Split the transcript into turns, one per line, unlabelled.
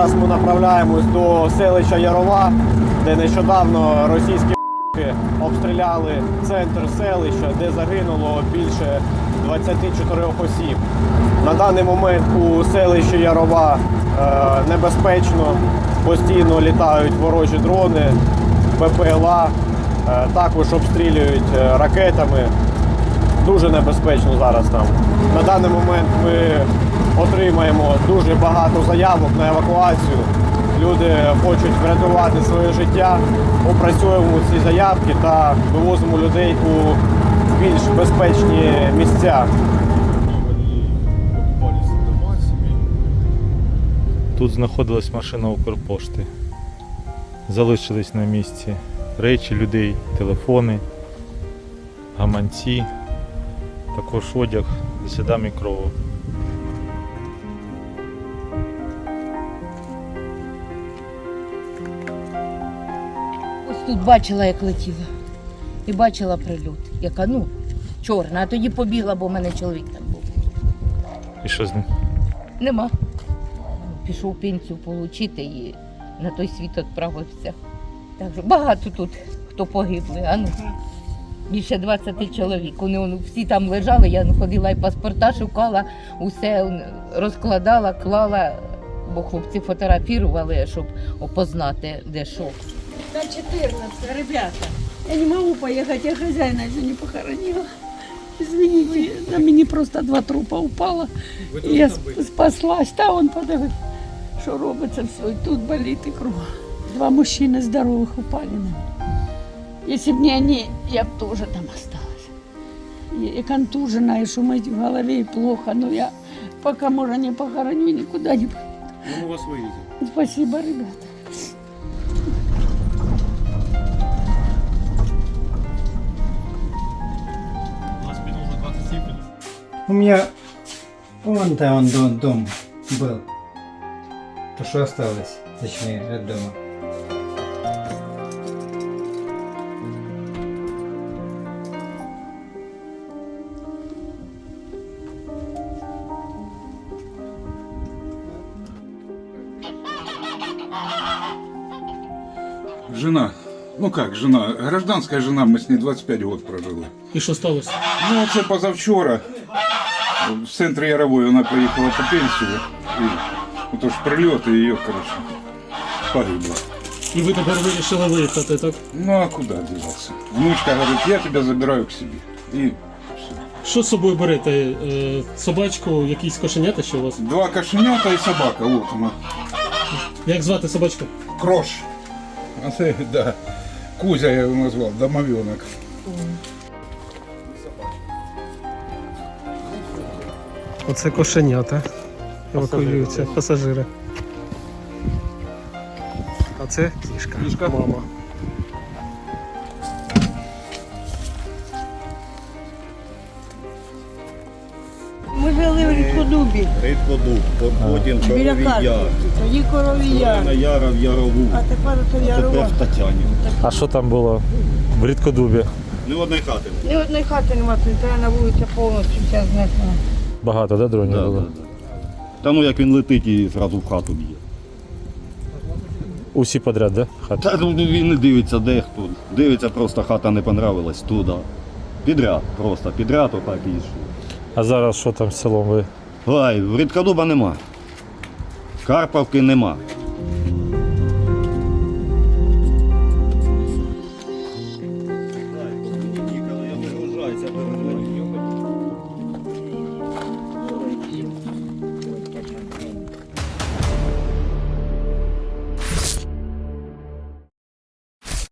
Зараз ми направляємось до селища Ярова, де нещодавно російські обстріляли центр селища, де загинуло більше 24 осіб. На даний момент у селищі Ярова небезпечно, постійно літають ворожі дрони, БПЛА, також обстрілюють ракетами. Дуже небезпечно зараз там. На даний момент ми отримаємо дуже багато заявок на евакуацію. Люди хочуть врятувати своє життя, опрацьовуємо ці заявки та вивозимо людей у більш безпечні місця.
Тут знаходилась машина Укрпошти. Залишились на місці речі людей, телефони, гаманці, також одяг зі слідами крові.
Ось тут бачила, як летіла. І бачила прильот. Яка, чорна. А тоді побігла, бо в мене чоловік там був.
І що з ним?
Нема. Пішов пенсію отримати і на той світ відправився. Так що багато тут, хто погибли. Більше 20 чоловік. Вони всі там лежали, я ходила і паспорта шукала, усе розкладала, клала, бо хлопці фотографували, щоб опознати, де що.
До 14, ребята. Я не могу поехать, я хозяина еще не похоронила. Извините, на меня просто 2 трупа упало. И я спаслась. Та он подивив, що робиться все. І тут болит и кров. 2 мужчины здоровых упали на меня. Если бы не они, я бы тоже там осталась. И контужена, и шумить в голове, и плохо. Но я пока мужа не похороню, никуда не поеду.
Мы вас вывезем.
Спасибо, ребята.
У меня вон-то дом был. То, что осталось, точнее, от дома.
Жена. Ну как жена? Гражданская жена, мы с ней 25 год прожили.
І що сталося?
Ну, це позавчора. В центрі Ярової вона поїхала по пенсію. І отож прильот, і її, коротше, погибла.
І ви тепер вирішили виїхати, так?
Ну а куди діватися? Внучка говорить, я тебе забираю к собі. І все.
Що з собою берете? Собачку, якісь кошенята ще у вас?
2 кошенята і собака, от вона.
Як звати собачку?
Крош. А це, да. Кузя я його назвав, домовенок.
Оце кошенята. Евакуюються, пасажири. А це кішка. Мама.
Ми жили в Рідкодубі.
Рідкодуб, потім
Біля
Коровій
Харкова.
Яр,
Тоді Коровій Яр.
на Яра в Ярову,
А тепер це
тепер
Ярова.
в Тетяні.
А що там було в Рідкодубі?
Ні одної хати.
Ні одної хати нема, треба на вулиці повністю вся знесла.
Багато, да, дронів було?
Та ну як він летить і зразу в хату б'є.
Усі подряд, да? Хати?
Та ну, він не дивиться де хто. Дивиться, просто хата не понравилась туди. Підряд, просто підряд отак і йшов.
А зараз що там з селом ви?
Ой, в Рідкодуба нема. Карпавки нема.